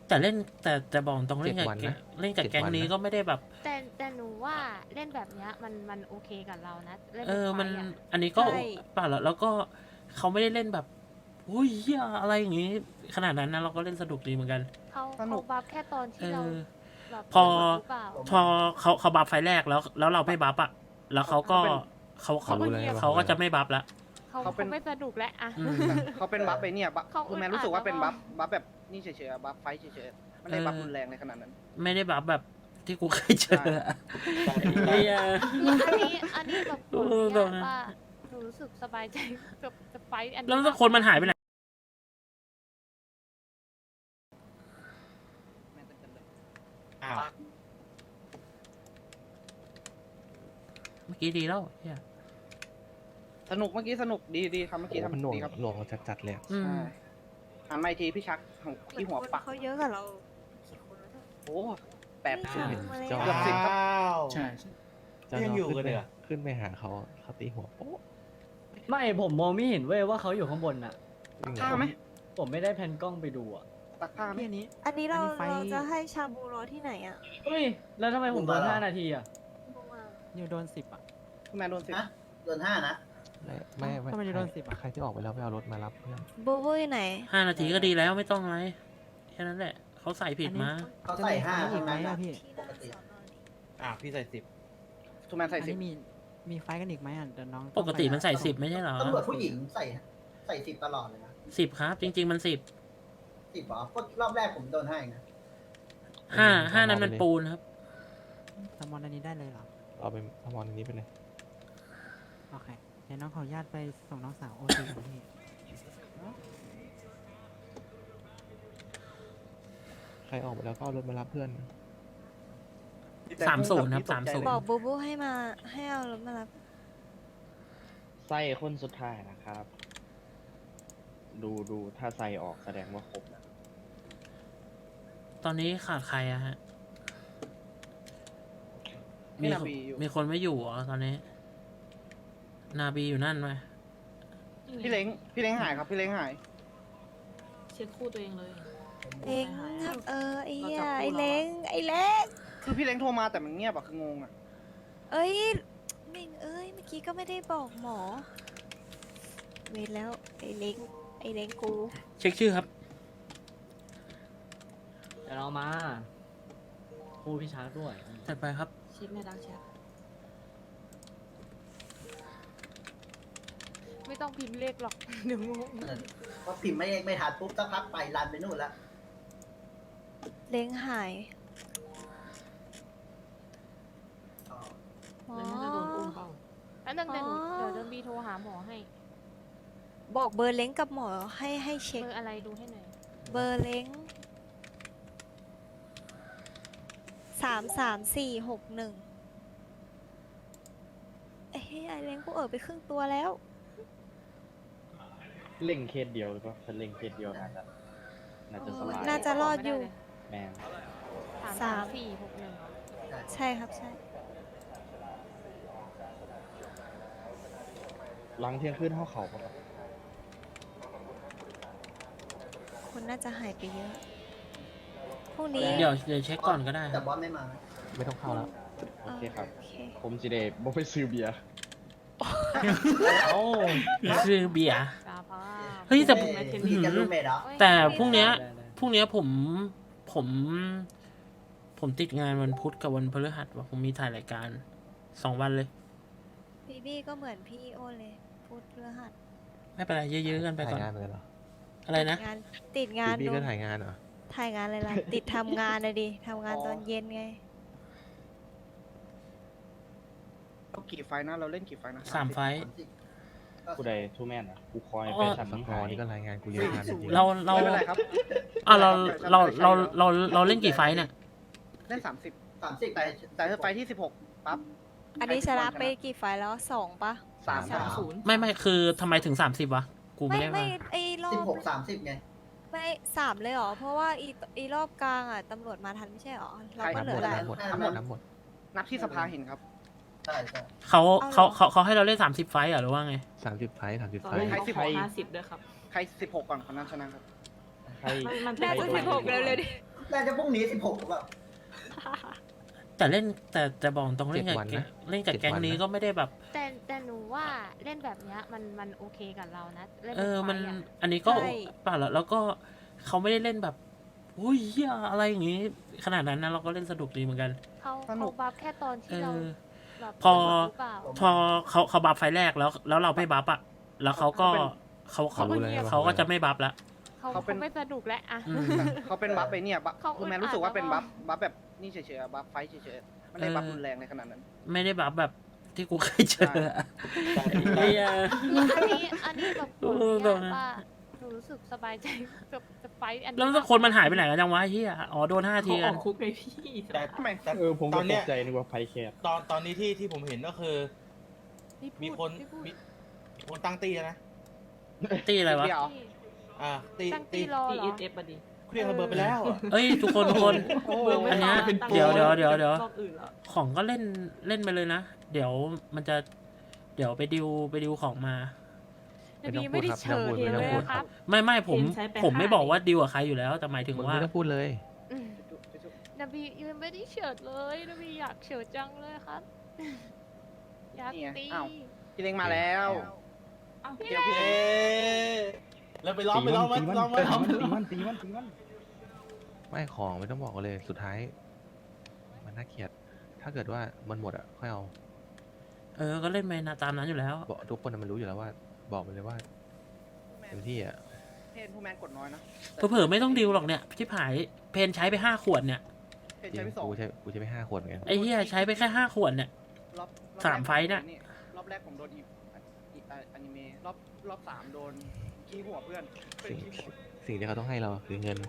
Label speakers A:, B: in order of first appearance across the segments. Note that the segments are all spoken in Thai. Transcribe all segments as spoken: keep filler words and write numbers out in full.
A: แต่เล่นแต่แต่บอกตรงเล่นกับ
B: เจ็ดวันนะ
A: เล่นกับ
B: เจ็ด
A: แก๊ง
B: วันนะ
A: นี้ก็ไม่ได้แบบ
C: แต่แต่หนูว่าเล่นแบบเนี้ยมันมันโอเคกับเรานะเล่น
A: เอ
C: แบบ
A: อ
C: ไฟ
A: มัน
C: อะ
A: อันนี้ก็
D: ใช่
A: เปล่าแล้วแล้วก็เขาไม่ได้เล่นแบบอุ้ยเหี้ยอะไรอย่างงี้ ขนาดนั้นนะเราก็เล่นสนุกดีเหมือนกัน
C: เขา
E: สนุ
C: เขา
E: ก
C: บัฟแค่ตอน
A: เอ
C: ที่เรา
A: อ
C: แบบ
A: พอ
C: หรือเปล่า
A: พอเขาเขาบัฟไฟแรกแล้วแล้วเราไม่บัฟอะแล้วเขาก็เขาเขา
B: เขารู้แล้วไงว่า
A: เขาก็จะไม่บัฟละ
C: เขา
E: เขาเป็น
C: เขาไม่สนุกแล้วอะ
A: อืม
E: เขาเป็นบัฟไปเนี่ยบัฟ
C: เขา
E: คือแมน
C: อึดอัด
E: รู้สึกว่าเป็น
C: แล้วก็
E: บัฟบัฟแบบนี่เฉยๆอะบัฟไฟท์เฉยๆไม่ได้บัฟรุนแรงในขนาดนั้น
A: ไม่ได้บัฟแบบที่กูเคยเจออะไอ้เหี้ย
C: อันนี้อันนี้แบบ
A: เออ
C: ผ
A: ตร
C: ม
A: งนั้น
C: ว่าหนูรู้สึกสบายใจกับกับไฟท์อันนี้
A: แล้ว
C: มาก
A: คนมันหายไปไหนอ้าวเมื่อกี้ดีแล้วเหี้ย
E: สนุกเมื่อกี้สนุกดีดีครับเมื่อกี้
B: โอ้มันห
E: ทำ
B: น่วง
E: ดีครับ
B: หน่วงจัดๆเลยอะ
A: อืม
E: ใช่หันมาอีกทีพี่ชักของที่หัวปัก
D: เขาเยอะกับเรากี่คนแล้วเนี่ย
E: โอ้แปด
D: ไม่
E: สิบ
D: ถึงมาเลย
B: เจ้า
E: เกือบสิบครับ
F: ใช่
B: เจ้า
F: ยัง
B: น้
F: อยู่
B: ขึ้
F: กันเลยเหรอ
B: ขึ้นไปหาเขาเขาตีหัวโป๊ะ
F: ไม่ผมมองไม่เห็นเว้ยว่าเขาอยู่ข้างบนน่ะ
B: วิ่ง
E: ผ้าไหม
F: ผมไม่ได้แพนกล้องไปดูอ่ะ
E: ตักผ้าไหม
G: พี่อันนี้
D: อันนี้เรา
G: อันนี้ไฟ
D: เราจะให้ชาบูรอที่ไหนอ่ะ
F: เฮ้ย แล้วทำไมผมโดนห้านาทีอ่ะ
D: ลงมา
G: นิวโดนสิบอ่ะ
E: คุณแมนโดนสิบ
H: โดนห้านะ
B: ไม่ไม่
G: ทำไมจะโดนสิบอะ
B: ใครที่ออกไปแล้วไปเอารถมารับเพื่อน
D: บูบูอยู่ไหน
A: ห้านาทีก็ดีแล้วไม่ต้องอะไรแค่นั้นแหละเขาใส่ผิดมา
H: เขาใส่ห้า
G: จะมีไฟอี
H: ทั้
G: ก
H: ง
G: ไหม
H: นั้น
G: อะ
H: นะ
G: พี่
H: ปกติ
F: อ่ะพี่ใส่สิบ
E: ทูแมนใส่
G: อัน
E: สิบ
G: นี้มีมีไฟกันอีกไหมอ่ะเดี๋ยวน้อง
A: ปกติมันใส่สิบไม่ใช่เหรอ
H: ตำรวจผู้หญิงใส่ใส่สิบตลอดเลยนะ
A: สิบครับ จริง ๆ มันสิบ
H: สิบเหรอก็รอบแรกผมโดนให้นะ
A: ห้าห้านั้นมันปูนครับ
G: สมอนอันนี้ได้เลยเหรอ
B: เอาไปทำมอนอันนี้ไปเลย
G: โอเคเดี๋ยวน้องขออนุญาตไปส่งน้องสาวโอทีของพี่
B: ใครออกไปแล้วก็เอารถมารับเพื่อน
A: สามศูนย์ครับ
E: ตกใจ
A: สามศูนย์
D: บอกบูบูให้มาให้เอารถมารับ
I: ไส้คนสุดท้ายนะครับ ดูดูถ้าไส้ออกแสดงว่าครบนะ
A: ตอนนี้ขาดใครอะฮะ
E: ให้
A: มี
E: นาบีอยู่
A: มีคนไม่อยู่เหรอตอนนี้ นาบีอยู่นั่นไหม
E: พี่เล้งพี่เล้งหายครับพี่เล้งหาย
J: เช็คคู่ตัวเองเลย
D: เล้งเออไอ้เหี้ยไอ้เล้งไอ้เล้ง
E: คือพี่เล้งโทรมาแต่มันเงียบอะคืองงอะ
D: เอ้ยเม่งเอ้ยเมื่อกี้ก็ไม่ได้บอกหมอเวรแล้วไอ้เล้งไอ้เล้งกู
A: เช็คชื่อครับ
F: เดี๋ยวเรามาคู่พี่ชาร์จด้วย
A: จัดไปครับ
J: เช็คในดักแชท
C: ไม่ต้องพิมพ์เลขหรอก เดี๋ยวงง
H: เพราะพิมพ์ไม่ไม่ทันปุ๊บสักพักไปรันไปนู่นแล้ว
D: เล้งหาย
H: อ๋อ
D: หมอ
J: แล้วน่าจะโดนอุ้มเปล่า
C: แล้วนั่นเดี๋ยวหนู
D: อ๋อ
C: เดี๋ยวเดินบีโทรหาหมอให้
D: บอกเบอร์เล้งกับหมอให้ให้เช็ค
C: เบอร์อะไรดูให้หน่อย
D: เบอร์เล้งสามสามสี่หกหนึ่งเอ้ยไอ้เล้งกูเออไปครึ่งตัวแล้ว
I: เล่งเคสเดียวหรือเปล่าถ้าเล่งเคสเดียวน่าจะน่าจะสบาย
D: น่าจะรอดอยู่
I: แมน
C: สาม
D: สา
C: สาม มสี่หกหนึ่ง
D: ใช่ครับใช่
I: หลังเที่ยงคืนเท่าเขาปะครับ
D: คนน่าจะหายไปเยอะพรุ่งนี้
A: เดี๋ยวเดี๋ยวเช็คก่อนก็ได้ค
H: แต่
A: รับ
H: บอสไม่มานะ
B: ไม่ต้องเข้าแล้ว
I: โอเคครับ
D: โอเค
I: ผมสิเดบ่ไปซื้อเบียร์
F: โอ้
A: คือเบียร์
C: สาภาพ
A: เฮ้ยแต่
H: เอ้ยพี่จะรูเมทเหรอ
A: แต่พรุ่งเนี้ย
F: ได้ได้
A: พรุ่งเนี้ยผมผม ผมติดงานวันพุธกับวันพฤหัสว่ะผมมีถ่ายรายการสองวันเลย
D: บีบี้ก็เหมือนพี่โอเลยพูดเพื่อหัด
A: ไม่เป็นไรเยอะๆกันไป
B: ถ่า
A: ก่อย น
B: งานเลยเหรอ
A: อะไรนะ
D: งานติดงาน
B: บีบี้
D: ดู
B: ก็ถ่ายงานเหรอ
D: ถ่ายงานอะไรล่ะ ติดทำงานนะดิทำงานตอนเย็นไง
E: เรากี่ไฟนะเราเล่นกี่ไฟนะ
A: สามไฟท์
I: ผู้ใดทูแมนอ่ะกูคอย
A: อ๋อ
I: ไปสั่น
B: ส
I: มึง
B: กอ
I: หาย
B: ร์นี่ก็รายงานกูเยอะมากจริงๆ
A: เราเรา
E: ไม่เป็นไรครับ
A: อ่ะเราเราเราเราเราเล่นกี่ไฟท์เนี่ย
E: เล่นสามสิบ
H: สามสิบ
E: แต่แต่ถ้าไฟที่สิบหกปั๊บ
D: อันนี้ชนะไปกี่ไฟล์แล้วสองปะ
E: สาม
H: สาม
J: ศูนย์
A: ไม่ไม่คือทำไมถึงสามสิบวะ กูไม่
D: ไม่
A: ได้
D: ไม่
A: มา
D: ไอ้รอ
H: สิบบ หก
D: ไม่
H: สามสิบไง
D: ไม่สามเลยเหรอ เพราะว่าอีอีรอบกลางอ่ะตำรวจมาทันไม่ใช่เหรอ เราก็
B: นับ
D: เห
B: ห
D: ลื
B: ม
D: อ
B: ด
D: หลาย
B: นับหมด
H: นับหมด
B: นับหมด
E: นับที่สภาเห็นครับ
H: ใช่ใช่
A: เขาเขาเขาเขาให้เราเล่นสามสิบไฟท์เหรอหรือว่าไง
B: สามสิบไฟสามสิบ
J: ตอน
B: ไฟ
J: นี้
E: ใคร
J: เขา
E: สิบ
J: ข
E: ห
J: อก ห้าสิบด้วยครับ
E: ใครสิบหกก่อนคนนั้นชนะครับ
I: ใคร
J: มันมัน
D: น่าจะ
J: ไป
D: สิบหก
J: ด้วย
D: เร็วเลยดิ
J: ม
H: น่าจะพรุ่งนี้สิบหกแบบ
A: แต่เล่นแต่แต่บอกตรงเล่นกับ
B: เจ็ดวัน
A: แก๊ง
B: นะ
A: เล่นกับ
B: เจ็ด
A: แก๊ง
B: วัน
A: นี้
B: นะ
A: ก็ไม่ได้แบบ
C: แต่แต่หนูว่าเล่นแบบเนี้ยมันมันโอเคกับเรานะเล่น
A: เอ
C: แบบ
A: อ
C: ไฟ
A: มัน
C: อะ
A: อันนี้ก็
D: ใช่
A: เปล่าแล้วแล้วก็เขาไม่ได้เล่นแบบโอ้ยเหี้ยอะไรอย่างงี้ ขนาดนั้นนะเราก็เล่นสนุกดีเหมือนกัน
C: เขา
E: สนุ
C: เขา
E: ก
C: บัฟแค่ตอน
A: เอ
C: ที่เรา
A: อ
C: แบบ
A: พอ
C: หรือเปล่า
A: พอเขาเขาบัฟไฟล์แรกแล้ว แล้วเราไม่บัฟอะแล้วเขาก็เขาเขา
B: เขารู้แล้ว
A: เขาก็จะไม่บัฟละ
C: เขา
E: เขาเป็น
C: เขาไม่สนุกแล้วอะ
A: อืม
E: เขาเป็นบัฟไปเนี่ยบัฟ
C: เขาอึดอัด
E: คุณแมนรู้สึกว่าเป็น
C: แล้วก็
E: บัฟบัฟแบบนี่เฉยๆอะบัฟไฟท์เฉยๆไม่ได้บัฟรุนแรงในขนาดนั้น
A: ไม่ได้บัฟแบบที่กูเคยเจออะไอ้เหี้ย
C: อันนี้อันนี้แบบ
A: เอ
C: ผ
A: อ
C: มอยากว่าหนูรู้สึกสบายใจกับกับไฟท์อันนี้
A: แล้วคนมันหายไปไหนกันจังวะไอ้เฮียอ๋อโดนห้าที
J: เขาอ
A: กั
J: อน กคุกไงพี่
K: แต่
E: ทำไม
K: แต่
I: เออผม
K: ต
I: ก็
K: อน
I: ต
K: เนี้ย
I: กใจนึกว่าไฟแคบ
K: ตอนตอนนี้ที่ที่ผมเห็นก็คือ
C: พี่พูด
K: มีคน
C: พี่พูด
K: มีมีคนตั้งตีแล้วนะ
A: ตีอะไรวะ
E: เดียว
C: พี่
K: อ่าตี
C: ตั้ง
K: ตี
C: ตีรอ
J: ตี
C: เหร
J: เอ
C: อ
J: สเอฟมาดิ
K: เครื่องระเบิดไปแล้วอะ
A: เอ้ยทุกคนทุกคน
E: โอ้โห
A: อันเนี้ย
J: เป็น
A: เดี๋ยวเดี๋ยวเดี๋ยวเดี๋ยว
J: รอบอื่นแล้ว
A: ของก็เล่นเล่นไปเลยนะ เดี๋ยวมันจะ เดี๋ยวไปดิวไปดิวของมา
C: นบีไม่ได้เชิญ
B: ไม่
C: เล
B: ต้อง
C: ย
B: พูด
C: ครับ
A: ไม่ไม่ผม
J: เห็นใช้ไป
A: ผมไม่
J: ห้า
A: บอกว่าดิวกับใครอยู่แล้ว แต่หมายถึง
B: มึง
A: ว่า
B: ไม่ต้องพูดเลย
C: อืมนบียังไม่ได้เฉิดเลยนบีอยากเฉิดจังเลยครับ อยาก
E: นี่ไง
C: ตี
E: อ้าว พี่เล้งมาแล้ว
J: เอ้า
E: เดี๋ยวพี่
K: เอ๊ะแล้วไปล้อมไปล้อมมันล้อมมันล้อมมัน
I: ตีมันตีมันตีมัน
B: ไม่ของไม่ต้องบอกกันเลยสุดท้าย มันน่าเกลียด ถ้าเกิดว่ามันหมดอ่ะค่อยเอา
A: เออ ก็เล่นไปนะตามนั้นอยู่แล้ว
B: บอกทุกคนน่ะมันรู้อยู่แล้วว่า บอกไปเลยว่าเต็มที่อ่ะ
E: เพนผู้แมนกดน้อยนะ
A: เผลอๆไม่ต้องดิวหรอกเนี่ยที่ผายเพนใช้ไปห้าขวดเนี่ย
E: เพน
B: จริ
E: ใช้
B: ง
E: ไปสอง
B: กูใช้กูใช้ไปห้าขวดเหมือนกัน
A: ไอ้เหี้ยใช้ไปแค่ห้าขวดเนี่ย
E: รอบรอบ
A: สามไฟท์เนี่ย
E: รอบแรกผมโดนอีอีอนิเมะรอบรอบสามโดนขี้หัวเพื่อนเป็น
B: สิ่ง
E: ขี้หัว
B: สิ่งที่เขาต้องให้เราคือเงิน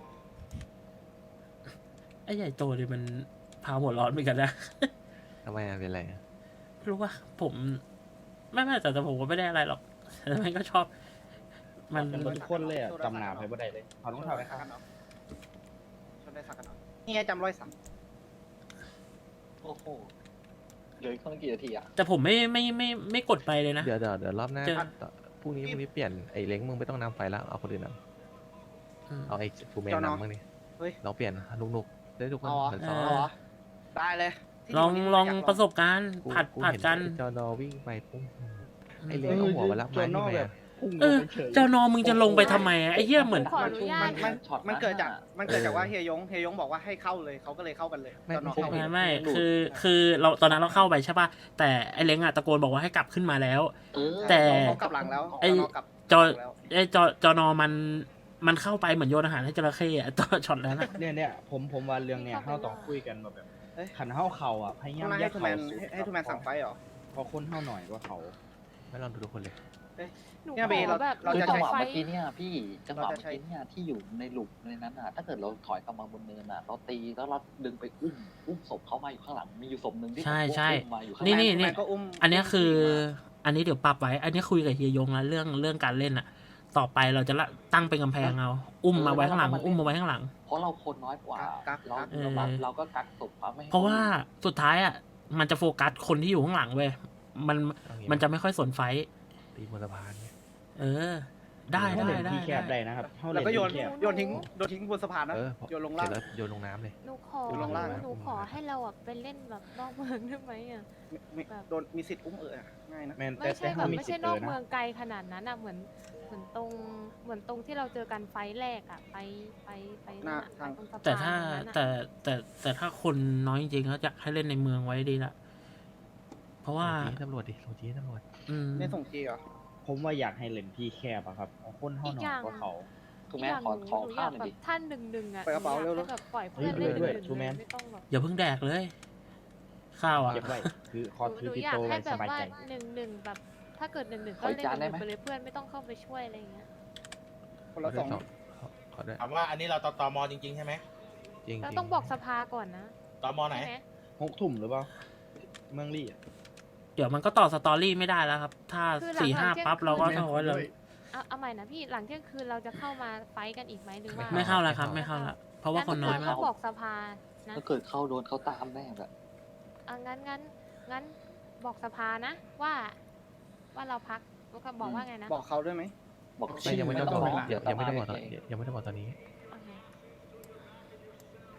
A: ไอ้ใหญ่โตเลยมันพาหัวร้อนเหมือนกันนะ
B: ทำไมอ่ะเป็นไรอ่ะ
A: ไม่รู้ว่าผมไม่ไม่แต่แต่ผมก็ไม่ได้อะไรหรอกแต่มันก็ชอบ มัน
I: เป็นทุกคนเลยอะจำหนาไปบ่ได้เลยถอดรองเท้า
E: ไป
I: เลยครับ
E: สักกันเนาะชนได้สักกันเนาะนี่ไงจำรอยสัก
F: โอ้โหเหลืออีกตั้งกี่นาทีอ่ะ
A: แต่ผมไม่ไม่ไม่ไม่กดไปเลยนะ
B: เดี๋ยวเดี๋ยวเดี๋ยวรอบหน้า
A: เจอ
B: ต่อพรุ่งนี้พรุ่งนี้เปลี่ยนไอ้เล้งมึงไม่ต้องนำไฟแล้วเอาคนอื่นน
A: อืม
B: ำเอาไอ้ฟูเมนนำมึงนี่
E: เฮ้ย
B: เราเปลี่ยนนุกๆได้ทุกคน
E: เอาเหรอ
B: เหมือน
A: เอ
B: ซ้อ
A: อ
B: ม
E: เอาเหรอได้เลยที่
A: ลอง
E: ที่
A: ลอง
E: ยาก
A: ประสบการณ์
B: กู
A: ผัด
B: กู
A: ผัด
B: เห็น
A: กัน
B: ไอ้จอนอวิ่งไปปุ๊บไอ้เล้งเอาหัวมารับไม้ที่ไหนอะ
I: พุ่งล
A: เอง อ
I: ไปเฉย
A: เจ้านอมึงจะลงไปทำไมอะไอ้เหี้ยเหมือน
C: ขออนุญา
E: มั
C: ต
E: นมัน
F: ช็อต
E: มันเกิดจาก
F: นะ
E: มันเกิดจาก
B: เออ
E: ว่าเฮียยงเฮียยงบอกว่าให้เข้าเลยเขาก็เลยเข้ากันเลย
B: ไม่
E: ตอนนอน
B: ไม่
E: เข้า
B: ใช่
A: ไม่ไม่คือคือเราตอนนั้นเราเข้าไปใช่ป่ะแต่ไอ้เล้งอะตะโกนบอกว่าให้กลับขึ้นมาแล้ว
F: เออ
A: แต่
E: เขากลับหลังแล้ว
A: ไอ้
E: ตนนนกลับ
A: จอ
E: หลังแล้ว
A: ไอ้จอจอนอมันมันเข้าไปเหมือนโยนอาหารให้จระเข้อะ ตอนช็อตนั้นอะ
I: เนี่ยเนี่ยผมผมว่าเรื่องเนี่ยเราต้องคุยกันแบบ
E: เอ้ย
I: ขันเท้าเข่าอ่ะพยายาม
E: ต้อง
I: แย
E: ให้
I: ก
E: ทูแม
I: เข่าน สุด
E: ให้ให้ทูแมนสั่งไฟเหรอ
I: เพราะคนเท่าหน่อยกว่าเขา
B: ไม่ลองดูทุกคนเลย
C: หนู
E: เนี่ย
C: ข
E: เบ
C: อ
E: เรา
C: แบบ
E: เรา
F: คือ
E: จะ
F: จั
E: ใช้
F: งหวะ
C: ไฟ
F: เมื่อกี้เนี่ยพี่จังหวะ
E: เราจะ
F: เมื่อ
E: ใช้
F: กี้เนี่ยที่อยู่ในหลุมในนั้นอ่ะ ถ้าเกิดเราถอยกลับมาบนเนินอ่ะ เราตีแล้วเราดึงไปอุ้มอุ้มศพเขามาอยู่ข้างหลังมีอยู่ศพหนึ่งที่
A: ใช่ใช่
F: อุ้มมาอยู่ข้างห
A: นี่
F: ลัง
A: นี่
E: ทูแม
A: นี่
E: ก็อุ้ม
A: อันเนี้ยคือ
E: ผู้หญิงมา
A: อันนี้เดี๋ยวปรับไว้ อันนี้คุยกับเฮียยงแล้วเรื่องเรื่องการเล่นอะต่อไปเราจะละตั้งเป็นกำแพงเอา อุ้มมาไว้ข้างหลัง อุ้มมาไว้ข้างหลัง
F: เพราะเราคนน้อยกว่า
E: กักกั
F: เรา
E: ก
A: เออ
F: เราเราก็กักศพเขาไม่ให้
A: เพราะว่าสุดท้ายอะมันจะโฟกัสคนที่อยู่ข้างหลังเว้ยมัน
B: เอางี้
A: มันจะไม่ค่อยสนไฟท์
B: ตีบนสะพานเนี่ย
A: เออ ได้
I: เขา
A: ได้
I: เล่น
A: ได้
I: ที่แคบ
A: ได้
I: ได้นะครับเขา
E: แล้
I: เล่
E: วน ก็โยน
I: ที่แคบ
E: โยนทิ้งโยนทิ้งบนสะพานนะ
B: เออพอ
E: โยนลง
B: เส
E: ล่า
B: ร็
E: ง
B: จแล้วโยนลงน้ำเลย
C: หนูขอ
E: อยู่ลงล่างนะ
C: หนูขอให้เราแบบไปเล่นแบบนอกเมืองได้ไหมอ่ะ
E: ไม่โดนมีสิทธิ์อุ้มเออง่ายนะ
I: แมน
C: ไม่
I: แต่
C: ใช่
I: แต่
C: แบ
I: เขา
C: บ
I: มี
C: ไม่
I: สิท
C: ใช่
I: ธิ์
C: น
I: เอ
C: อก
I: อนะ
C: เมืองไกลขนาดนั้นอ่ะเหมือนเหมือนตรงเหมือนตรงที่เราเจอกันไฟท์แรกอ่ะไฟไฟไฟนั่นอะไฟตรงสะพาน
A: แต่ถ้า
C: นั้นอะ
A: แต่แต่แต่ถ้าคนน้อยจริงๆก็จะให้เล่นในเมืองไว้ดีละเพราะว่า
B: ส่งจีให้ตำรวจดิส่งจีให้ตำรวจ
A: อืม
E: ไม่ส่งจีเหรอ
I: ผมว่าอยากให้เล่นที่แคบอะครับเพราะคนเท่าหน่อยกว่าเขา
F: ถูกไหมขอขอ
C: หนูอาก
F: ข้าวยหน่อย
C: แบ
F: ดิ
C: บท่านหนึ่งหนึ่งอ่ะ
E: ไปกระเป๋า
C: หนูอย
E: เร็วๆ
C: ให้แบบปล่อยเพื่อน
I: เฮ้
C: เล่
I: ย
C: น
I: ด้วย
C: หนึ่ง
I: ชูแมน
C: ไม่ต้องแบบ
A: อย่าเพิ่งแดกเลย ข้าวอ่ะ
I: เก็บไว้คือคอ
C: หนู
I: ถื
C: ห
I: อ
C: นู
I: ติด
C: อยาก
I: ตัว
C: ให้
I: ไว้
C: แบ
I: ส
C: บบ
I: าย
C: ว่า
I: ใจ
C: หนึ่งหนึ่งแบบ ถ้าเกิดหนึ่งหนึ่ง
F: ข
C: ก็
F: อ
C: เล่น
F: จาน
C: ห
F: ได้
C: นึ่ง
F: ไหม
C: ไปเลยเพื่อนไม่ต้องเข้าไปช่วยอะไรอย่างเงี้ย
E: คนละสอง
B: ขอขอด้วย
K: ถามว่าอันนี้เราตตมจริงๆใช่ไหม
B: จริง
C: แล้ว
B: จริ
C: ต้องบอกสภาก่อนนะ
K: ตมไหน
C: ใช่ไหม
I: หกทุ่มหรือเปล่าเมืองลี่อะ
A: เดี๋ยวมันก็ต่อสตอรี่ไม่ได้แล้วครับ ถ้า
C: คือหลัง
A: สี่ห้า
C: หลังเที่ยง
A: ปั๊บเราก็
C: คืน
A: ต้องว่าเรา
C: เอาเอาใหม่นะพี่หลังเที่ยงคืนเราจะเข้ามาไฟท์กันอีกไหมหรือว่า
A: ไม่เข้าแล้วครับ ไม่เข้าแล้วเพราะว่าคนน้อย
C: งั้
A: มาก
C: ก็บอกสภานะ
F: ถ้าเกิดเข้าโดนเขาตามแน่แบบ
C: อ่ะงั้นงั้นงั้นบอกสภานะว่า ว่าเราพักแล้วก็บอกว่าไงนะ
E: บอกเขาด้วยไหม
F: บอก
B: ไม่
F: ชื่อ
B: ยังไม่ต้อง
F: ไม่
B: บอก
F: ต้อง
B: ยังยังไม่ต้องบอกตอน
F: เฉย
B: ยังไม่ต้องบอกตอนนี้
C: โอเค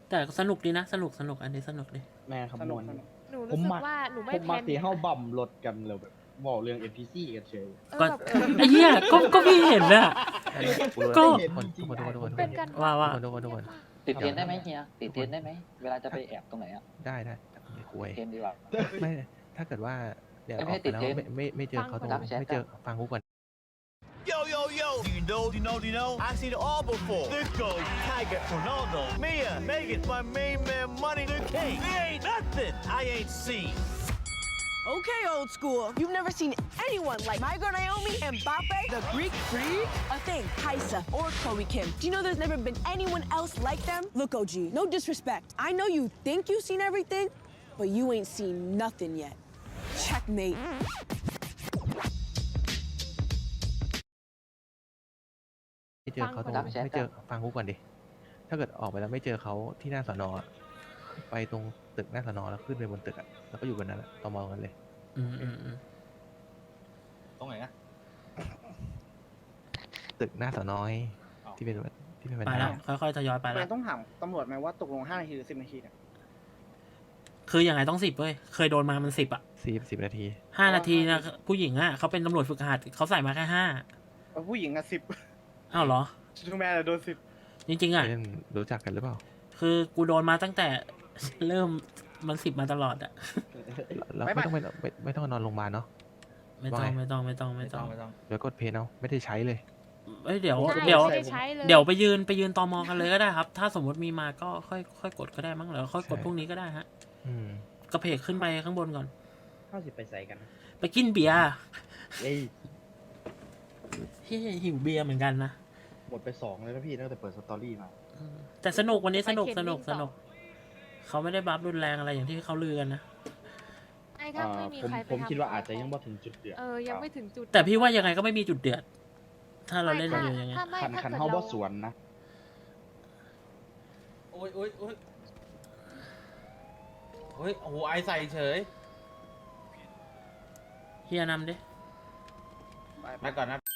A: แต่สนุกดีนะ สนุกสนุกอันนี้สนุกดี
I: แม่คำนวณ
C: หนู
I: ผ
C: รู้
I: ม
C: สึก
I: มัก
C: ว่าหนูไม่
I: ผม
C: แพ
I: มัก
C: น
I: สีเฮาบั่มรถกันเลยแบบบอกเรื่อง เอ็น พี ซี กันเฉย
C: เออ
A: ก็
C: แบบ
A: ไอ้เหี้ยก็ก็พี่เห็นอะ ก็
B: ทุกคนทุกคนทุกคนทุกคน
C: เป็นกัน
A: ว่าว่า
B: ทุกคนทุกคน
F: ติดเทียนได้ไหมเฮียติดเทียนได้ไหมเวลาจะไปแอบตรงไหนอ่ะ
B: ได้ได้ไม่คุย
F: ติดเทียนดีกว่า
B: ไม่ ถ้าเกิดว่าเดี๋ยวอ
F: ไม่
B: อก
F: ให้
B: ไป
F: ติด
B: แล้ว
F: เทป
B: ไม่ไม่ไม่เจอเขาตรง
F: รับแชท
B: ไม่เจอฟังกูก่อน
K: Yo, yo, yo! Do you know, do you know, do you know? I've seen it all before. This goes Tiger, Ronaldo, Mia, Megan, my main man, Money the King. There ain't nothing I ain't seen.
J: Okay, old school. You've never seen anyone like my girl Naomi, Mbappe, the Greek freak, Athene, Kaisa, or Chloe Kim. Do you know there's never been anyone else like them? Look, O G, no disrespect. I know you think you've seen everything, but you ain't seen nothing yet. Checkmate.
B: ไม่เจอเขาตรง
F: รับแชท
B: ไม่เจอฟังกูก่อนดิ ถ้าเกิดออกไปแล้วไม่เจอเขาที่หน้าสอนอะไปตรงตึกหน้าสอนอแล้วขึ้นไปบนตึกอะแล้วก็อยู่บนนั้นอะต่อมองกันเลย
A: อืมอืมอืม
K: ตรงไหนนะ
B: ตึกหน้าสอนอย
K: อ๋อ
B: ที่เป็นที่เป็นบัน
A: ไป
B: ได
A: แล้ว ค่อยๆทยอยไป
E: ทำ
A: แล้
E: ไม
A: ว
E: ต้องถามตำรวจไหมว่าตกลงห้านาทีหรือสิบนาทีเนี่ย
A: คือยังไงต้องสิบเว้ย เคยโดนมามันสิบอะ
B: สี่สิบนาที
A: ห้านาทีนะผู้หญิงอะเขาเป็นตำรวจฝึกหัดเขาใส่มาแค่ห้า
E: เอาผู้หญิงอะสิบ
A: อ้าวเหรอ
E: ชูแมนอะโดนสิบ
A: จริงๆอะ
B: เล่นรู้จักกันหรือเปล่า
A: คือกูโดนมาตั้งแต่ เริ่มมันสิบมาตลอดอะ
B: เราไม่ต้องไปไม่ไม่ต้องนอนโรงพยาบาลเนาะ
A: ไม่ต้อง
B: ว่าไง
A: ไม่ต้องไม่ต้องไม่
K: ไม่
A: ต้
K: ต้
A: อ
K: อง งไม่ต้อง
B: เดี๋ยวกดเพย์เอาไม่ได้ใช้เลย
A: เอ้ยเดี๋ยว
C: ใช่
A: เดี๋ยว
C: ไม่ได้ใช้เลย
A: เดี๋ยวไปยืนไปยืนตอมอกันเลยก็ได้ครับ ถ้าสมมติมีมาก็ค่อยค่อยกดก็ได้มั้งหรือค่อยกด
B: ใช่
A: พรุ่งนี้ก็ได้ฮะ
B: อืม
A: กระเพกขึ้นไปข้างบนก่อน
I: เข้าสิไปใส่กัน
A: ไปกินเบียร์
I: เอ้ย
A: เฮ้ยหิวเบียร์เหมือนกันนะ
I: หมดไปสองเลยนะพี่ตั้งแต่เปิดสตอรี่มา
A: อืมแต่สนุกวันนี้สนุก
C: ไปเข็น
A: สนุก
C: วิ่ง
A: ส
C: ต่อ
A: นุกเขาไม่ได้บัฟรุนแรงอะไรอย่างที่เขาลือกันนะ
C: ไอ้ถ้าไม่มี
I: ผม
C: ใครไป
I: ผม
C: ทำ
I: คิดว่า
C: ต่
I: อาจจะยังไม่ถึงจุดเดือด
C: เออยังไม่ถึงจุด
A: แต่พี่ว่ายังไงก็ไม่มีจุดเดือด ถ้าเราเล่น
C: ไม่
A: อยู่อย่างเงี้ย
C: ถ้าไม่
I: คัน
C: ถ้า
I: คัน
C: เกิด
I: เฮา
C: เรา
I: บ่สวนนะ
K: โอ้ยโอ้ยโอ้ยโอ้ยโอ้โหไอใส่เฉย
A: เฮียนำดิ
E: ไป
K: ไปก่อนนะ